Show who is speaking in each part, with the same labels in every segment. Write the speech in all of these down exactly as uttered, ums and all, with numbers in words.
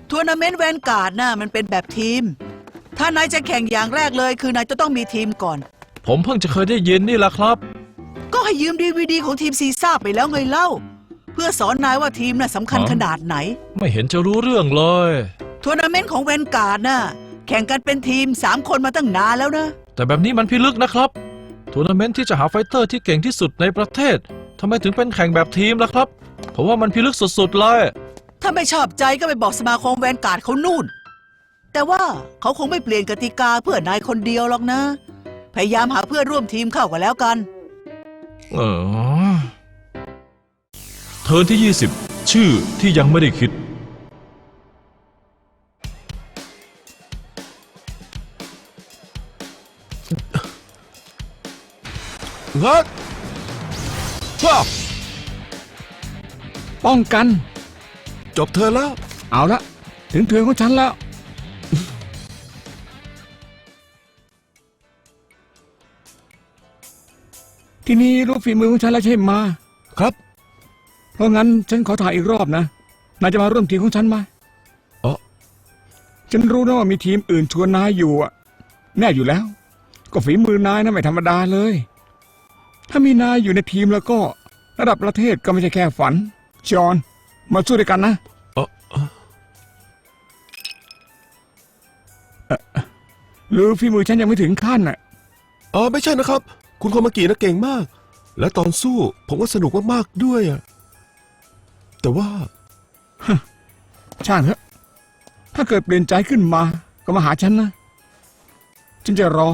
Speaker 1: ทัวร์นาเมนต์แวนการ์ดน่ะมันเป็นแบบทีมถ้านายจะแข่งอย่างแรกเลยคือนายจะต้องมีทีมก่อน
Speaker 2: ผมเพิ่งจะเคยได้ยินนี่แหละครับ
Speaker 1: ก็ให้ยืมดีวีดีของทีมซีซ่าไปแล้วไงเล่าเพื่อสอนนายว่าทีมน่ะสำคัญขนาดไหน
Speaker 2: ไม่เห็นจะรู้เรื่องเลย
Speaker 1: ทัวร์นาเมนต์ของแวนการ์ดน่ะแข่งกันเป็นทีมสามคนมาตั้งนานแล้วนะ
Speaker 2: แต่แบบนี้มันพิลึกนะครับทัวร์นาเมนต์ที่จะหาไฟเตอร์ที่เก่งที่สุดในประเทศทำไมถึงเป็นแข่งแบบทีมล่ะครับผมว่ามันพิลึกสุดๆเลย
Speaker 1: ถ้าไม่ชอบใจก็ไปบอกสมาคมแวนการ์ดเขานู่นแต่ว่าเขาคงไม่เปลี่ยนกติกาเพื่อนายคนเดียวหรอกนะพยายามหาเพื่อนร่วมทีมเข้ากันแล้วกัน
Speaker 2: เออเทิร์นที่ยี่สิบชื่อที่ยังไม่ได้คิด
Speaker 3: ฮัทว้า
Speaker 4: ป้องกัน
Speaker 3: จบเธอแล้ว
Speaker 4: เอาละถึงเทิร์นของฉันแล้วทีนี้รู้ฝีมือของฉันแล้วใช่ไหม
Speaker 3: ครับ
Speaker 4: เพราะงั้นฉันขอถ่ายอีกรอบนะนายจะมาร่วมทีมของฉันไหม
Speaker 3: อ๋อ
Speaker 4: ฉันรู้นะว่ามีทีมอื่นชวนนายอยู่อะแน่อยู่แล้วก็ฝีมือนายนะไม่ธรรมดาเลยถ้ามีนายอยู่ในทีมแล้วก็ระดับประเทศก็ไม่ใช่แค่ฝันจอห์นมาสู้ด้วยกันนะ
Speaker 3: อ๋อ
Speaker 4: หรือฝีมือฉันยังไม่ถึงขั้นน่ะ
Speaker 3: อ๋อไม่ใช่นะครับคุณโคมากินะเก่งมากและตอนสู้ผมก็สนุกมากๆด้วยอะแต่ว่า
Speaker 4: ช่างเถอะถ้าเกิดเปลี่ยนใจขึ้นมาก็มาหาฉันนะฉันจะรอ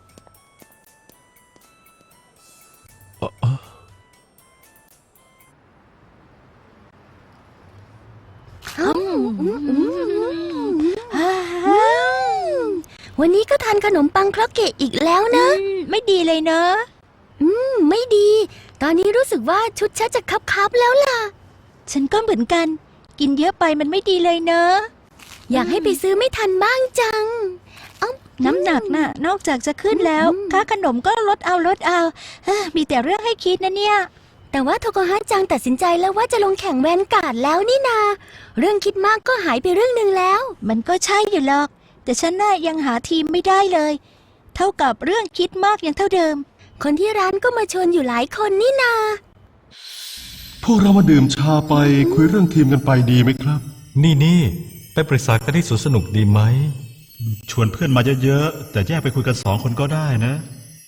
Speaker 5: วันนี้ก็ทานขนมปังครอกเกะอีกแล้วนะ
Speaker 6: ไม่ดีเลยเนอะ
Speaker 5: อืมไม่ดีตอนนี้รู้สึกว่าชุดฉันจะคับๆแล้วล่ะ
Speaker 6: ฉันก็เหมือนกันกินเยอะไปมันไม่ดีเลยเนอะ
Speaker 5: อยากให้ไปซื้อไม่ทันบ้างจัง
Speaker 6: น้ำหนักน่ะนอกจากจะขึ้นแล้วค่าขนมก็ลดเอาลดเอามีแต่เรื่องให้คิดนะเนี่ย
Speaker 5: แต่ว่าโทโกฮะจังตัดสินใจแล้วว่าจะลงแข่งแวนการ์ดแล้วนี่นาเรื่องคิดมากก็หายไปเรื่องหนึ่งแล้ว
Speaker 6: มันก็ใช่อยู่หรอกแต่ฉันน่ะยังหาทีมไม่ได้เลยเท่ากับเรื่องคิดมากยังเท่าเดิม
Speaker 5: คนที่ร้านก็มาชวนอยู่หลายคนนี่นา
Speaker 7: พวกเรามาดื่มชาไปคุยเรื่องทีมกันไปดีไหมครับ
Speaker 8: นี่นี่ไปปรึกษากันที่สวนสนุกดีไหม
Speaker 7: ชวนเพื่อนมาเยอะๆแต่แยกไปคุยกันสองคนก็ได้นะ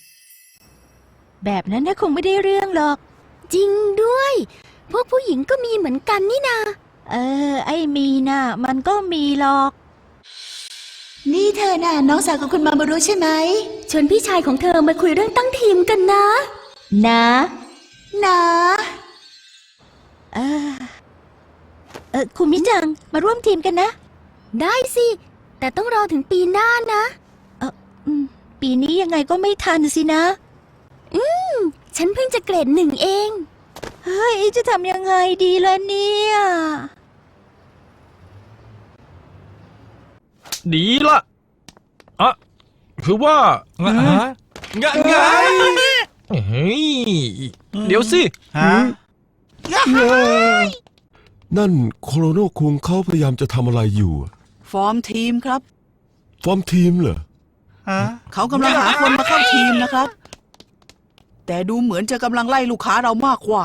Speaker 6: แบบนั้นน่ะคงไม่ได้เรื่องหรอก
Speaker 5: จริงด้วยพวกผู้หญิงก็มีเหมือนกันนี่นา
Speaker 6: เออไอ้มีน่ะมันก็มีหรอก
Speaker 5: นี่เธอน่ะน้องสาวของคุณมามารู้ใช่ไหมชวนพี่ชายของเธอมาคุยเรื่องตั้งทีมกันนะ
Speaker 6: นะ
Speaker 5: นะ
Speaker 6: เออเออคุณมิจังมาร่วมทีมกันนะ
Speaker 5: ได้สิแต่ต้องรอถึงปีหน้านะ
Speaker 6: เออปีนี้ยังไงก็ไม่ทันสินะ
Speaker 5: อืมฉันเพิ่งจะเกรดหนึ่งเอง
Speaker 6: เฮ้ยจะทำยังไงดีล่ะเนี่ย
Speaker 2: ดีละอ่ะคือว่าไงไงไงเฮ้ยเดี๋ยวสิฮะ
Speaker 3: นั่นโคโรโนคุงเขาพยายามจะทำอะไรอยู่
Speaker 1: ฟอร์มทีมครับ
Speaker 3: ฟอร์มทีมเหรอ
Speaker 1: ฮะเขากำลังหาคนมาเข้าทีมนะครับแต่ดูเหมือนจะกำลังไล่ลูกค้าเรามากกว่า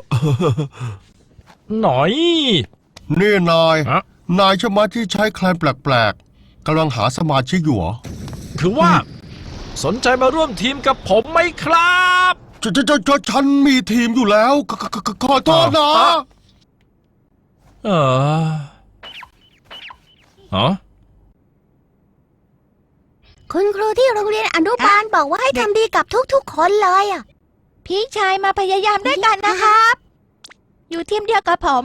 Speaker 2: หน่อย
Speaker 7: นี่นายนายใช่ไหมที่ใช้แคลนแปลกๆกำลังหาสมาชิกอยู่เหรอ
Speaker 2: คือว่าสนใจมาร่วมทีมกับผมไหมครับ
Speaker 7: จะจะจะฉันมีทีมอยู่แล้วขอโทษนะ
Speaker 2: เอออ๋อ
Speaker 5: คุณครูที่โรงเรียนอนุบาลบอกว่าให้ทำดีกับทุกๆคนเลยอ่ะ
Speaker 6: พี่ชายมาพยายามด้วยกันนะครับอยู่ทีมเดียวกับผม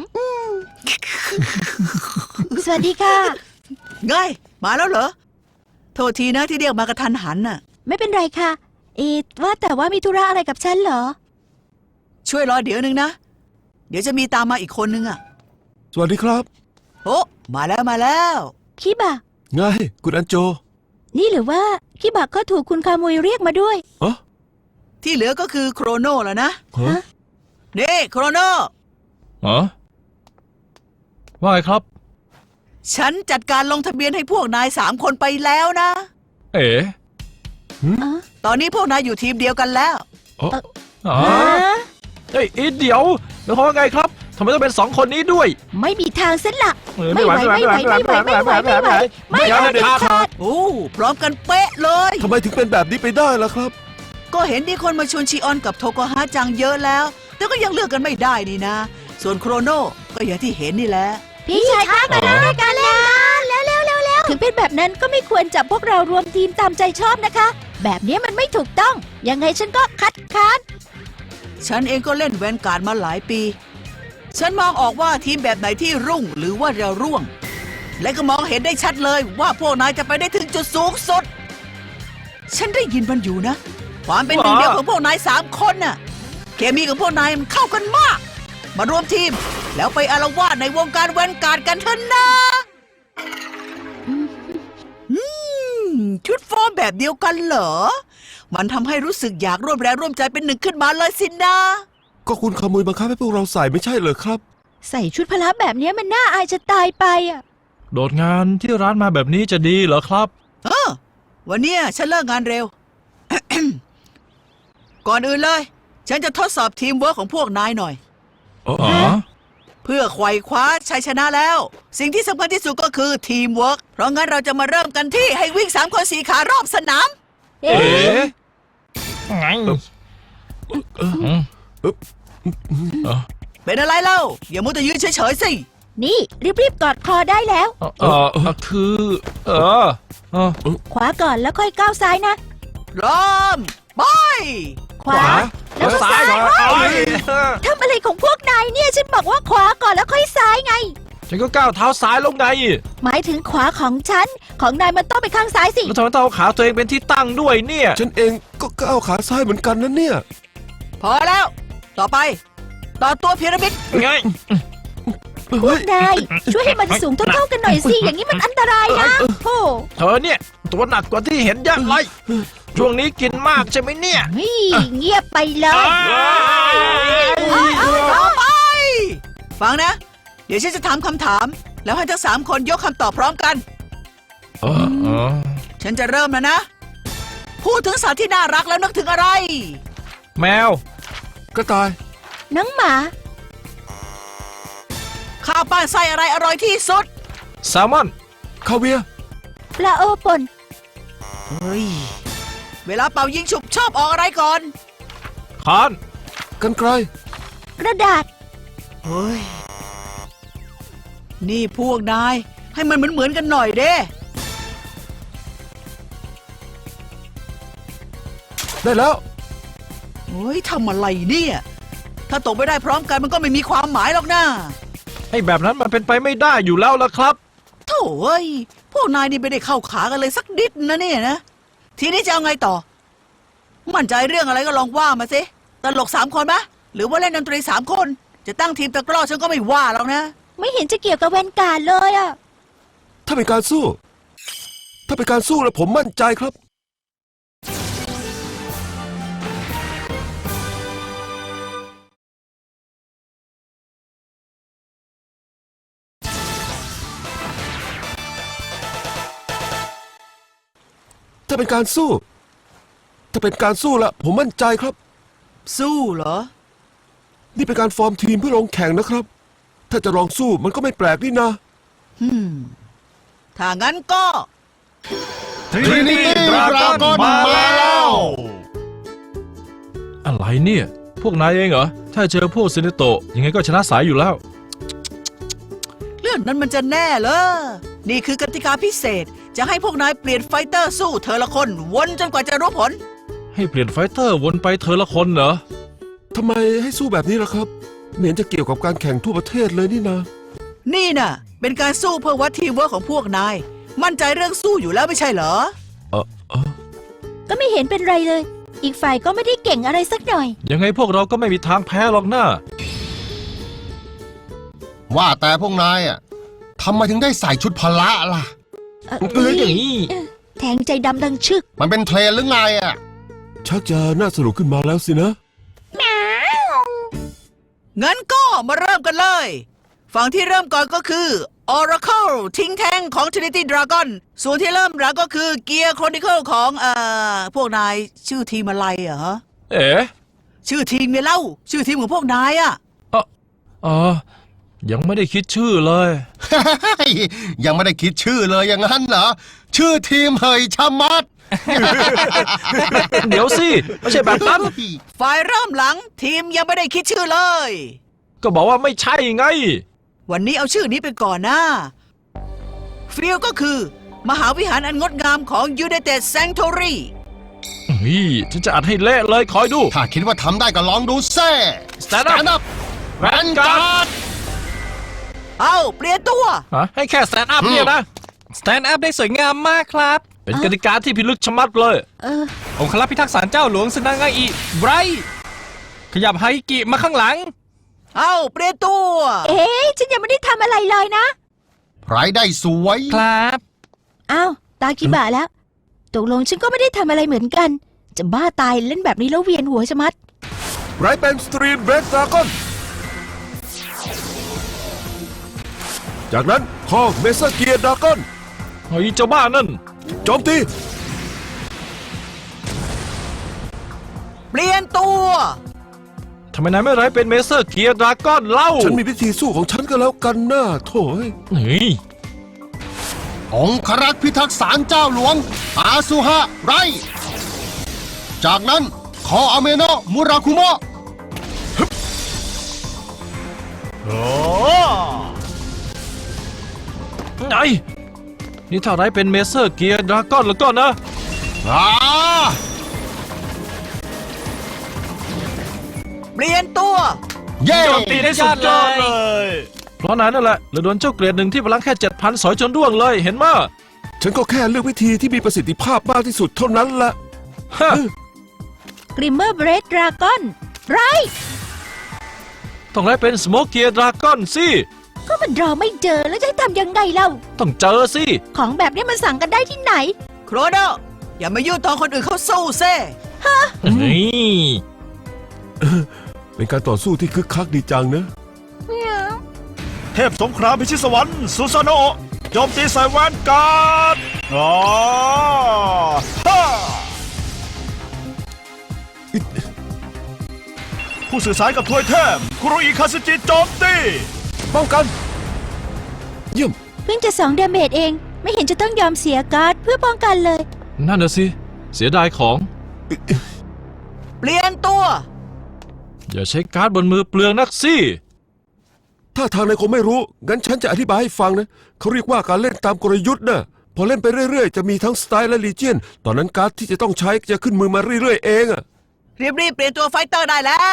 Speaker 6: สวัสดีค่ะ
Speaker 1: ไงมาแล้วเหรอโทษทีนะที่เรียกมากระทันหันน่ะ
Speaker 6: ไม่เป็นไรค่ะเอ๊ะว่าแต่ว่ามีธุระอะไรกับฉันเหรอ
Speaker 1: ช่วยรอเดี๋ยวนึงนะเดี๋ยวจะมีตามมาอีกคนนึงอ่ะ
Speaker 3: สวัสดีครับ
Speaker 1: โอ้มาแล้วมาแล้ว
Speaker 6: คิบะ
Speaker 3: ไงคุณอันโจ
Speaker 6: นี่หรือว่าคิบะก็ถูกคุณคามุยเรียกมาด้วย
Speaker 3: อ๋อ
Speaker 1: ที่เหลือก็คือโครโนแล้วนะ
Speaker 3: ฮะ
Speaker 1: นี่โครโน
Speaker 2: อ๋อว่าไงครับ
Speaker 1: ฉันจัดการลงทะเบียนให้พวกนายสามคนไปแล้วนะ
Speaker 2: เอ๋
Speaker 1: ตอนนี้พวกนายอยู่ทีมเดียวกันแล้ว
Speaker 2: อ๋อ
Speaker 6: ฮะ
Speaker 2: เฮ้ยอีเดี๋ยวหมายความว่าไงครับทำไมต้องเป็นสองคนนี้ด้วย
Speaker 6: ไม่มีทางเส้นหลัก
Speaker 2: เออ
Speaker 6: ไม่ไหวไม่ไหวไม่ไหวไม่ไหวไม่ไหวไม่เอาเด็ดขาด
Speaker 1: โอ้พร้อมกันเป๊ะเลย
Speaker 3: ทำไมถึงเป็นแบบนี้ไปได้ล่ะครับ
Speaker 1: ก็เห็นมีคนมาชวนชีออนกับโทโกฮะจังเยอะแล้ว แต่ก็ยังเลือกกันไม่ได้นี่นะ ส่วนโครโนก็อย่างที่เห็นนี่แหละ
Speaker 6: พี่ชายคะมาเล่นด้วยกันแล้วแล้วแล้วแล้วแล้วถึงเป็นแบบนั้นก็ไม่ควรจับพวกเรารวมทีมตามใจชอบนะคะ แบบนี้มันไม่ถูกต้อง ยังไงฉันก็คัดค้าน
Speaker 1: ฉันเองก็เล่นแวนการ์ดมาหลายปี ฉันมองออกว่าทีมแบบไหนที่รุ่งหรือว่าเราร่วง และก็มองเห็นได้ชัดเลยว่าพวกนายจะไปได้ถึงจุดสูงสุด ฉันได้ยินมันอยู่นะ ความเป็นหนึ่งเดียวของพวกนายสามคนน่ะ เคมีของพวกนายมันเข้ากันมาก มารวมทีม แล้วไปอาละวาดในวงการแวนการ์ดกันเถอะนะอืมชุดฟอร์มแบบเดียวกันเหรอ มันทำให้รู้สึกอยากร่วมแรงร่วมใจเป็นหนึ่งขึ้นมาเลยสินะ
Speaker 3: ก็คุณขโมยบังคับให้พวกเราใส่ไม่ใช่เหรอครับ
Speaker 6: ใส่ชุดพละแบบนี้มันน่าอายจะตายไปอ่ะ
Speaker 2: โดดงานที่ร้านมาแบบนี้จะดีเหรอครับ
Speaker 1: เออวันเนี้ยฉันเลิกงานเร็ว ก่อนอื่นเลย ฉันจะทดสอบทีมเวิร์คของพวกนายหน่อย
Speaker 2: อ๋อ
Speaker 1: เพื่อไขว่คว้าชัยชนะแล้ว สิ่งที่สำคัญที่สุดก็คือทีมเวิร์คเพราะงั้นเราจะมาเริ่มกันที่ให้วิ่งสามคนสี่ขารอบสนาม
Speaker 6: เอ๊
Speaker 2: เอ๋
Speaker 6: ะ
Speaker 2: ไงอืม
Speaker 1: เป็นอะไรเล่า อย่ามัวแต่ยืนเฉยๆสิ
Speaker 6: นี่รีบๆกอดคอได้แล้ว
Speaker 2: เออเออเออคือ เออเออ
Speaker 6: ขวาก่อนแล้วค่อยก้าวซ้ายนะ
Speaker 1: เริ่มไป
Speaker 6: ขวา แล้วก็ซ้าย
Speaker 2: ก่อนเอาเลย
Speaker 6: ทำอะไรของพวกนายเนี่ยฉันบอกว่าขวาก่อนแล้วค่อยซ้ายไง
Speaker 2: ฉันก็ก้าวเท้าซ้ายลงใน
Speaker 6: หมายถึงขวาของฉัน ของนายมันต้องไปข้างซ้ายสิ
Speaker 2: แล้วทำไมต้องเอาขาตัวเองเป็นที่ตั้งด้วยเนี่ย
Speaker 3: ฉันเองก็ก้าวขาซ้ายเหมือนกันนะเนี่ย
Speaker 1: พอแล้ว ต่อไป ต่อตัวพีระมิด
Speaker 2: ไง
Speaker 6: พว
Speaker 3: เฮ้
Speaker 6: ก
Speaker 3: ย
Speaker 6: นายช่วยให้มันสูงเท่าๆกันหน่อยสิ อย่างนี้มันอันตรายนะโอ้
Speaker 2: เธอเนี่ย ตัวหนักกว่าที่เห็นยักเลยช่วงนี้กินมากใช่ไหมเนี่ย
Speaker 6: นี่เงียบไปเลย
Speaker 1: ต่อไป ฟังนะ เดี๋ยวฉันจะถามคำถาม แล้วให้ทั้งสามคนยกคำตอบพร้อมกัน
Speaker 2: เออเออ
Speaker 1: ฉันจะเริ่มแล้วนะ พูดถึงสัตว์ที่น่ารักแล้วนึกถึงอะไร
Speaker 2: แมว
Speaker 3: กระต่าย
Speaker 6: น้องหมา
Speaker 1: ข้าวปั้นไส้อะไรอร่อยที่สุด
Speaker 2: แซลมอน
Speaker 3: คาเวียร์
Speaker 6: ปลาโอป่น
Speaker 1: เฮ้ย เวลาเป่ายิงฉุบชอบออกอะไรก่อน
Speaker 2: คอน
Speaker 3: กันไกล
Speaker 6: กระดาษ
Speaker 1: เฮ้ย นี่พวกนาย ให้มันเหมือนเหมือนๆกันหน่อยเด้
Speaker 3: ได้แล้ว
Speaker 1: เฮ้ยทำอะไรเนี่ย ถ้าตกไม่ได้พร้อมกันมันก็ไม่มีความหมายหรอกนะ
Speaker 2: ไอ้แบบนั้นมันเป็นไปไม่ได้อยู่แล้วล่ะครับ
Speaker 1: โถ่เอ้ย พวกนายนี่ไม่ได้เข้าขากันเลยสักนิดนะเนี่ยนะ ทีนี้จะเอาไงต่อ มั่นใจเรื่องอะไรก็ลองว่ามาสิ ตลกสามคนมะ หรือว่าเล่นดนตรีสามคน จะตั้งทีมตะกร้อฉันก็ไม่ว่าหรอกนะ
Speaker 6: ไม่เห็นจะเกี่ยวกับแวนการ์ดเลยอ่ะ
Speaker 3: ถ้าเป็นการสู้ ถ้าเป็นการสู้แล้วผมมั่นใจครับ ถ้าเป็นการสู้ ถ้าเป็นการสู้ละผมมั่นใจครับ
Speaker 1: สู้เหรอ
Speaker 3: นี่เป็นการฟอร์มทีมเพื่อลงแข่งนะครับ ถ้าจะลองสู้มันก็ไม่แปลกนี่นะ
Speaker 1: ฮึมถ้างั้นก็
Speaker 7: Trinity Dragon มาแล้ว
Speaker 2: อะไรเนี่ย พวกนายเองเหรอ ถ้าเจอพวกเซเนโตะยังไงก็ชนะสายอยู่แล้ว
Speaker 1: เรื่องนั้นมันจะแน่เหรอ นี่คือกติกาพิเศษ จะให้พวกนายเปลี่ยนไฟเตอร์สู้เธอละคน วนจนกว่าจะรู้ผล
Speaker 2: ให้เปลี่ยนไฟเตอร์วนไปเธอละคนเหรอ
Speaker 3: ทำไมให้สู้แบบนี้ล่ะครับไม่เห็นจะเกี่ยวกับการแข่งทั่วประเทศเลยนี่นะ
Speaker 1: นี่น่ะ เป็นการสู้เพื่อวัดทีมเวิร์คของพวกนาย มั่นใจเรื่องสู้อยู่แล้วไม่ใช่เหรอ
Speaker 3: เออเออ
Speaker 6: ก็ไม่เห็นเป็นไรเลย อีกฝ่ายก็ไม่ได้เก่งอะไรสักหน่อย
Speaker 2: ยังไงพวกเราก็ไม่มีทางแพ้หรอกนะ
Speaker 7: ว่าแต่พวกนายอ่ะทำไมถึงได้ใส่ชุดพละล่ะ
Speaker 6: เอ่อ
Speaker 2: เอออย่างนี้
Speaker 6: เอ่อแทงใจดำดังชึก
Speaker 7: มันเป็นเทรนหรือไงอ่ะ
Speaker 3: ชักจะน่าสนุกขึ้นมาแล้วสินะ
Speaker 1: งั้นก็มาเริ่มกันเลย ฝั่งที่เริ่มก่อนก็คือ Oracle ทิ้งแท่งของ Trinity Dragon ส่วนที่เริ่มหลังก็คือ Gear Chronicle ของเอ่อพวกนายชื่อทีมอะไรเหรอ
Speaker 2: เอ๋
Speaker 1: ชื่อทีมไงเล่า ชื่อทีมของพวกนายอะ
Speaker 2: เออเออยังไม่ได้คิดชื่อเลย
Speaker 7: ยังไม่ได้คิดชื่อเลยอย่างนั้นเหรอ ชื่อทีมเฮยชะมัด
Speaker 2: เดี๋ยวสิ ไม่ใช่แบบนั้น
Speaker 1: ฝ่ายเริ่มหลังทีมยังไม่ได้คิดชื่อเลย
Speaker 2: ก็บอกว่าไม่ใช่ไง
Speaker 1: วันนี้เอาชื่อนี้ไปก่อนนะฟิลก็คือ มหาวิหารอันงดงามของ United Sanctuary
Speaker 2: เฮ้ยฉันจะอัดให้เละเลยคอยดู
Speaker 7: ถ้าคิดว่าทำได้ก็ลองดูเซ่
Speaker 2: Stand up
Speaker 7: up แวนการ์ด
Speaker 1: เอาเปลี่ยนตัว
Speaker 2: ฮะให้แค่ stand up เนี่ยนะ
Speaker 9: Stand up ได้สวยงามมากครับ
Speaker 2: เป็นกติกาที่พิลึกชะมัดเลย
Speaker 6: เออ
Speaker 9: องครักษ์พิทักษ์ศาลเจ้าหลวงสนางาอิไบรท์ขยับไฮกิมาข้างหลัง
Speaker 1: เอาเปลี่ยนตัว
Speaker 6: เอ๊ะฉันยังไม่ได้ทำอะไรเลยนะ
Speaker 7: ไรได้สวย
Speaker 9: ครับ
Speaker 6: อ้าว ตากิบะแล้ว ตกลงฉันก็ไม่ได้ทำอะไรเหมือนกัน จะบ้าตายเล่นแบบนี้แล้วเวียนหัวชะมัด
Speaker 3: ไรเป็นสตรีนเบรดดราก้อนจากนั้นคอเมเซอร์เกียร์ดราก้อน
Speaker 2: เฮ้ยเจ้าบ้านั่น
Speaker 3: โจมตี
Speaker 1: เปลี่ยนตัว
Speaker 2: ทำไมนายไม่ไรเป็นเมเซอร์เกียร์ดราก้อนเล่า
Speaker 3: ฉันมีวิธีสู้ของฉันก็แล้วกันนะโถ่เอ้ย
Speaker 2: เฮ้ย
Speaker 7: องครักษ์พิทักษ์ศาลเจ้าหลวง อาซุฮะไร จากนั้นคออาเมโนะมุราคุโมะ
Speaker 2: ไงนี่ถ้าไรเป็นเมเซอร์เกียร์ดราก้อนแล้วก็นะ
Speaker 7: อ่า
Speaker 1: เปลี่ยนตัว
Speaker 7: เย้
Speaker 2: โจมตีได้สุดยอดเลย เพราะนายนั่นแหละเลยโดนเจ้าเกรดหนึ่งที่พลังแค่เจ็ดพันสอยจนร่วงเลยเห็นมั้ย
Speaker 3: ฉันก็แค่เลือกวิธีที่มีประสิทธิภาพมากที่สุดเท่านั้นแหละ
Speaker 2: ฮะ
Speaker 6: กริมเมอร์เบรดดราก้อนไร
Speaker 2: ต้องไรเป็นสโมกเกียร์ดราก้อนสิ
Speaker 6: ก็มันรอไม่เจอแล้วจะให้ทำยังไงเล่า
Speaker 2: ต้องเจอสิ
Speaker 6: ของแบบนี้มันสั่งกันได้ที่ไหน
Speaker 1: โครโนอย่ามายุ่งตอนคนอื่นเขาสู้เซ่
Speaker 2: เฮ้ย
Speaker 3: เป็นการต่อสู้ที่คึกคักดีจังนะ
Speaker 10: เทพสงครามพิชิตสวรรค์ซูซาโนะโจมตีใส่แวนการ์ดอ๋อฮ่าผู้สื่อสารกับทวยเทพคุโรอิคาซึจิโจมตี
Speaker 3: ป้องกัน เยี่ยม
Speaker 6: เพิ่งจะสองเดเมจเอง ไม่เห็นจะต้องยอมเสียการ์ดเพื่อป้องกันเลย
Speaker 2: นั่นน่ะสิ เสียดายของ
Speaker 1: เปลี่ยนตัว
Speaker 2: อย่าใช้การ์ดบนมือเปลืองนักสิ
Speaker 3: ถ้าทางนายคงไม่รู้ งั้นฉันจะอธิบายให้ฟังนะ เขาเรียกว่าการเล่นตามกลยุทธ์นะพอเล่นไปเรื่อยๆ จะมีทั้งสไตล์และลีเจียน ตอนนั้นการ์ดที่จะต้องใช้จะขึ้นมือมาเรื่อยๆ เองอะ
Speaker 1: รีบๆเปลี่ยนตัวไฟเตอร์ได้แล้ว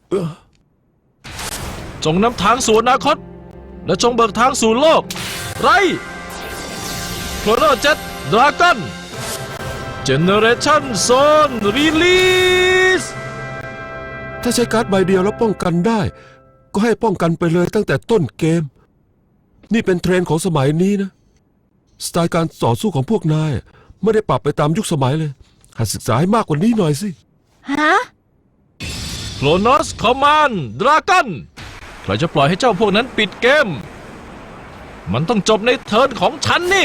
Speaker 2: จงนำทางสู่อนาคต และจงเบิกทางสู่โลก ไรโครโนเจ็ตดราก้อนเจเนเรชั่นโซนรีลีส
Speaker 3: ถ้าใช้การ์ดใบเดียวแล้วป้องกันได้ ก็ให้ป้องกันไปเลยตั้งแต่ต้นเกม นี่เป็นเทรนด์ของสมัยนี้นะ สไตล์การต่อสู้ของพวกนายไม่ได้ปรับไปตามยุคสมัยเลยหัดศึกษาให้มากกว่านี้หน่อยสิ
Speaker 6: ฮะ
Speaker 2: โครโนสคอมมานดราก้อนใครจะปล่อยให้เจ้าพวกนั้นปิดเกม มันต้องจบในเทิร์นของฉันนี่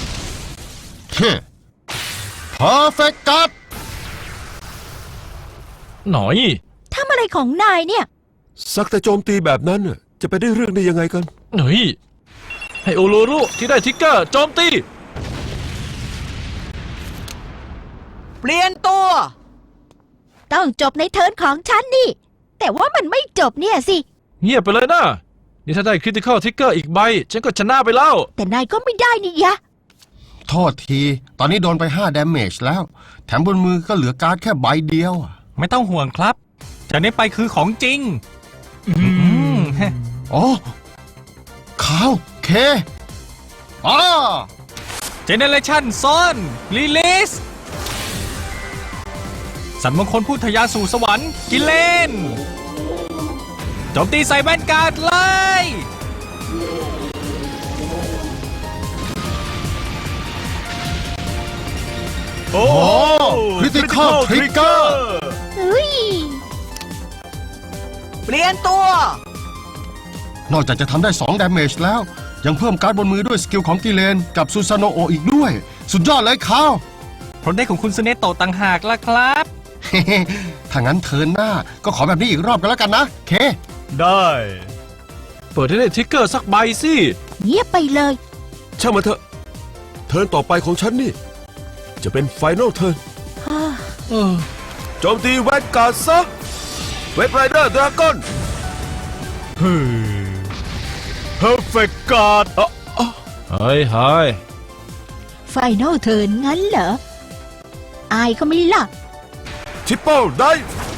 Speaker 7: เพอร์เฟกต์การ์ด
Speaker 2: หน่อย
Speaker 6: ทำอะไรของนายเนี่ย
Speaker 3: สักแต่โจมตีแบบนั้นน่ะจะไปได้เรื่องได้ยังไงกัน
Speaker 2: หน่อย ให้โอโลรุที่ได้ทิกเกอร์โจมตี
Speaker 1: เปลี่ยนตัว
Speaker 6: ต้องจบในเทิร์นของฉันนี่ แต่ว่ามันไม่จบเนี่ยสิ
Speaker 2: เงียบไปเลยนะ นี่ถ้าได้คริติคอลทิกเกอร์อีกใบ ฉันก็ชนะไปแล้ว
Speaker 6: แต่นายก็ไม่ได้นี่ยะ
Speaker 7: โทษที ตอนนี้โดนไปห้า damage แล้ว แถมบนมือก็เหลือการ์ดแค่ใบเดียว
Speaker 9: ไม่ต้องห่วงครับจากนี้ไปคือของจริง
Speaker 7: อ๋อขาวเคอ๋อ
Speaker 9: เจเนเรชั่นซอนรีลิสสันมงคลพูดทะยานสู่สวรรค์กิเลนโจมตีใส่แวนการ์ดเลย
Speaker 10: โอ้
Speaker 7: Critical Trigger
Speaker 6: เฮ้ย
Speaker 1: เปลี่ยนตัว
Speaker 7: นอกจากจะทำได้สอง damage แล้ว ยังเพิ่มการ์ดบนมือด้วยสกิลของกิเลนกับซูซาโนโออีกด้วย สุดยอดเลยคาว
Speaker 9: ผลได้ของคุณสเนโตะต่างหากล่ะครับ
Speaker 7: ถ้างั้นเทิร์นหน้าก็ขอแบบนี้อีกรอบกันแล้วกันนะ เค
Speaker 10: ได้
Speaker 2: เปิดให้ได้ทริกเกอร์สักใบสิ
Speaker 6: เงียบไปเลย
Speaker 3: ช่างมันเถอะ เทิร์นต่อไปของฉันนี่ จะเป็นไฟนอลเทิร์น
Speaker 2: เออ
Speaker 3: โจมตีแวนการ์ดซะเวทไรเดอร์ดราก้อน
Speaker 10: เฮ้ย perfect guard อ่ะ
Speaker 2: เฮ้ยเฮ้ย
Speaker 6: ไฟนอลเทิร์นงั้นเหรอ อายเขาไม่ล่ะ
Speaker 3: ทิปเปิลได้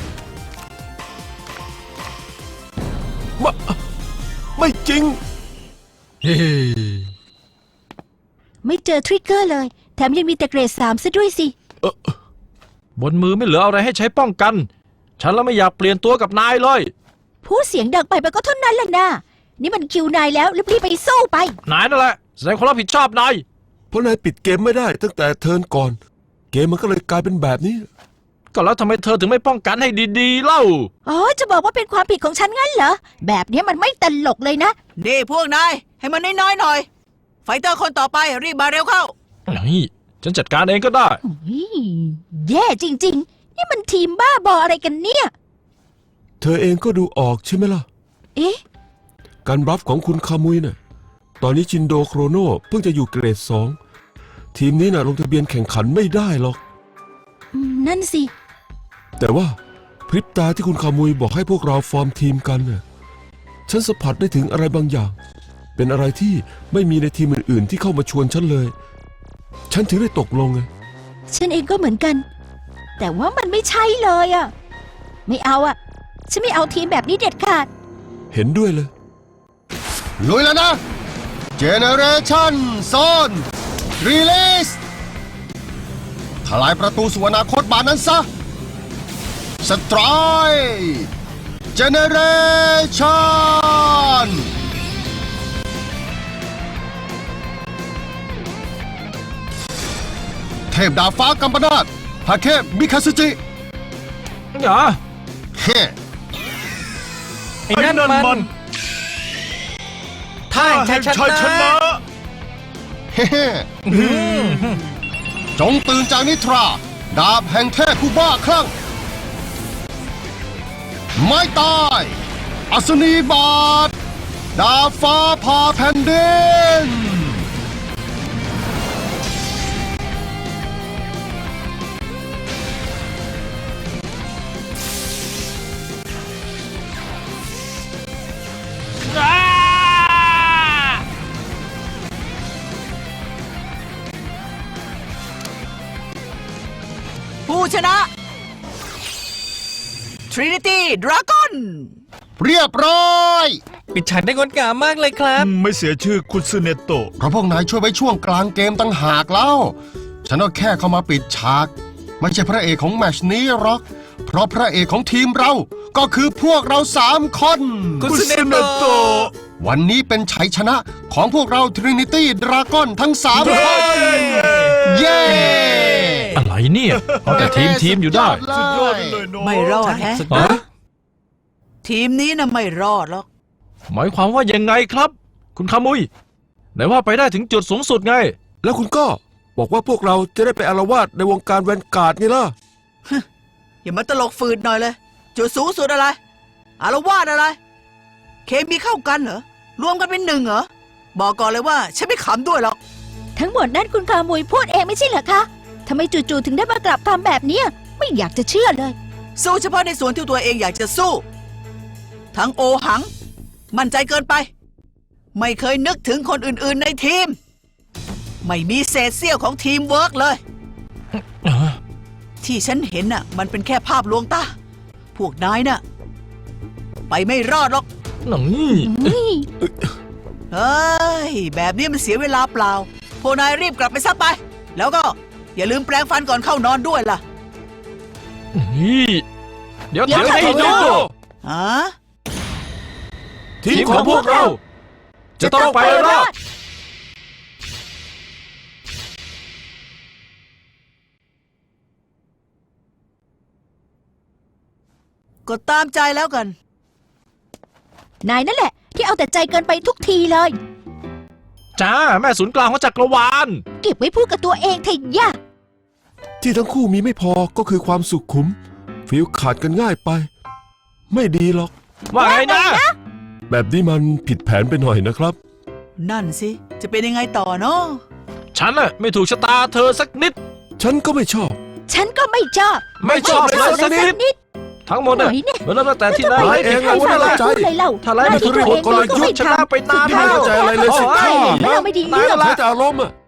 Speaker 3: ไม่ไม่จริง
Speaker 2: เฮ้ย
Speaker 6: ไม่เจอทริกเกอร์เลย แถมยังมีแต่เกรดสามซะด้วยสิ
Speaker 2: บนมือไม่เหลืออะไรให้ใช้ป้องกัน ฉันแล้วไม่อยากเปลี่ยนตัวกับนายเลย
Speaker 6: พูดเสียงดังไปมันก็เท่านั้นแหละนะนี่มันคิวนายแล้วรีบๆไปสู้ไป
Speaker 2: นายนั่นแหละ แสดงความรับผิดชอบนาย
Speaker 3: เพราะนายปิดเกมไม่ได้ตั้งแต่เทิร์นก่อน เกมมันก็เลยกลายเป็นแบบนี้
Speaker 2: ก็แล้วทำไมเธอถึงไม่ป้องกันให้ดีๆเล่า
Speaker 6: อ๋อ จะบอกว่าเป็นความผิดของฉันงั้นเหรอ แบบนี้มันไม่ตลกเลยนะ
Speaker 1: นี่พวกนาย ให้มันน้อยๆหน่อย ไฟเตอร์คนต่อไปรีบมาเร็วเข้า
Speaker 2: นี่ฉันจัดการเองก็ได้
Speaker 6: อุ๊ยแย่จริง ๆ นี่มันทีมบ้าบออะไรกันเนี่ย
Speaker 3: เธอเองก็ดูออกใช่ไหมล่ะ
Speaker 6: เอ๊ะ
Speaker 3: การบลัฟของคุณคามุยน่ะ ตอนนี้ชินโดโครโนเพิ่งจะอยู่เกรดสอง ทีมนี้น่ะลงทะเบียนแข่งขันไม่ได้หรอก
Speaker 6: อืมนั่นสิ
Speaker 3: แต่ว่าพริบตาที่คุณคามุยบอกให้พวกเราฟอร์มทีมกันน่ะ ฉันสัมผัสได้ถึงอะไรบางอย่าง เป็นอะไรที่ไม่มีในทีมอื่นๆที่เข้ามาชวนฉันเลย ฉันถึงได้ตกลงไง
Speaker 6: ฉันเองก็เหมือนกัน แต่ว่ามันไม่ใช่เลยอะไม่เอาอะฉันไม่เอาทีมแบบนี้เด็ดขาด
Speaker 3: เห็นด้วยเลย
Speaker 7: ลุยแล้วนะ Generation Zone Release ทลายประตูสู่อนาคตบานนั้นซะ Strike Generation เทพดาบฟ้ากัมปนาตฮาเคมิคาซึจิ
Speaker 2: อย่า
Speaker 7: เฮ้
Speaker 9: ไอ้นั่นมันท่า
Speaker 10: แห่
Speaker 9: แห่
Speaker 10: ง
Speaker 9: ง
Speaker 10: ชั
Speaker 9: ชั
Speaker 10: ย
Speaker 9: ย
Speaker 10: ช
Speaker 9: ช
Speaker 10: นะ
Speaker 9: นะ
Speaker 7: เฮ้จงตื่นจากนิทรา ดาบแห่งเทพผู้บ้าคลั่ง ไม่ตาย อัศนีบาท ดาบฟ้าผ่าแผ่นดิน
Speaker 1: ผู้ชนะ Trinity Dragon
Speaker 7: เรียบร้อย
Speaker 9: ปิดฉากได้งดงามมากเลยครับ
Speaker 10: ไม่เสียชื่อคุณซูเนโตะ
Speaker 7: เพราะพวกนายช่วยไว้ช่วงกลางเกมตั้งหากแล้ว ฉันก็แค่เข้ามาปิดฉาก ไม่ใช่พระเอกของแมตชนี้หรอก เพราะพระเอกของทีมเรา ก็คือพวกเราสามคน
Speaker 9: คุณ
Speaker 10: คุณ
Speaker 9: ซูเน
Speaker 10: ซูเน
Speaker 9: โตะ
Speaker 10: โตะ
Speaker 7: วันนี้เป็นชัยชนะของพวกเรา Trinity Dragon ทั้งสามคน เย้
Speaker 2: อะไรเนี่ยเอาแต่ทีมทีมอยู่ได้
Speaker 10: สุดยอดเลยเนาะ
Speaker 1: ไม่รอดแฮะ
Speaker 2: ฮะ
Speaker 1: ทีมนี้นะไม่รอดหรอก
Speaker 2: หมายความว่ายังไงครับ คุณคามุยไหนว่าไปได้ถึงจุดสูงสุดไง
Speaker 3: แล้วคุณก็บอกว่าพวกเราจะได้ไปอาละวาดในวงการแวนการ์ดไงล่ะ
Speaker 1: อย่ามาตลกฝืดหน่อยเลย จุดสูงสุดอะไร อารวาสอะไร เคมีเข้ากันเหรอ รวมกันเป็นหนึ่งเหรอ บอกก่อนเลยว่า ฉันไม่ขำด้วยหรอก
Speaker 6: ทั้งหมดนั้นคุณคามุยพูดเองไม่ใช่เหรอคะทำไมจู่ๆถึงได้มากลับคำแบบเนี้ยไม่อยากจะเชื่อเลย
Speaker 1: สู้เฉพาะในส่วนที่ตัวเองอยากจะสู้ ทั้งโอหัง มั่นใจเกินไป ไม่เคยนึกถึงคนอื่นๆในทีม ไม่มีเศษเสี้ยวของทีมเวิร์กเลย ที่ฉันเห็นน่ะ มันเป็นแค่ภาพลวงตา พวกนายน่ะ ไปไม่รอดหรอก
Speaker 2: หนังนี่
Speaker 1: เฮ้ย แบบนี้มันเสียเวลาเปล่า พวกนายรีบกลับไปซะไป แล้วก็อย่าลืมแปรงฟันก่อนเข้านอนด้วยล่ะ
Speaker 2: นี่เดี๋ยว
Speaker 6: เดี๋ยว
Speaker 2: ทำให้
Speaker 6: เดี๋ยว
Speaker 2: ดู
Speaker 1: ฮะ
Speaker 2: ทีมของพวกเรา จะต้องไปรอด
Speaker 1: ก็ตามใจแล้วกัน
Speaker 6: นายนั่นแหละที่ที่เอาแต่ใจเกินไปทุกทีเลย
Speaker 2: จ้า แม่ศูนย์กลางของจักรวาล
Speaker 6: เก็บไว้พูดกับตัวเองเถอะย่า
Speaker 3: ที่ทั้งคู่มีไม่พอก็คือความสุขขุมฟิลขาดกันง่ายไป ไม่ดีหรอก
Speaker 2: ว่าไงนะ
Speaker 3: แบบนี้มันผิดแผนไปหน่อยนะครับ
Speaker 1: นั่นสิ จะเป็นยังไงต่อเนาะ
Speaker 2: ฉันน่ะไม่ถูกชะตาเธอสักนิด
Speaker 3: ฉันก็ไม่ชอบ
Speaker 6: ฉันก็ไม่ชอบ
Speaker 2: ไม่ชอบเลยสักนิด
Speaker 6: นิด
Speaker 2: ทั้งหมดน่ะ
Speaker 6: หน่อยเนี่ย
Speaker 2: มันเริ่มตั้งแต่ที่นาย
Speaker 3: นายเอง
Speaker 6: ใคร
Speaker 3: ว่า
Speaker 6: ฟัง
Speaker 3: น่า
Speaker 6: เรา
Speaker 3: ใจ
Speaker 6: พูดเลยเล่า
Speaker 2: ถ้าไล่ไม่ถูกกลยุทธ์ชนะไปนาน
Speaker 3: ไม่
Speaker 2: แล้ว
Speaker 3: เข้าใจอะไรเลยสิ
Speaker 2: โอ้
Speaker 3: ท่า
Speaker 2: ย
Speaker 6: ไม่เอาไม่ดี
Speaker 2: นาย
Speaker 6: เรื่อง
Speaker 2: นั่นแห
Speaker 3: ใช้
Speaker 2: ละ
Speaker 3: แต่อารมณ์อะ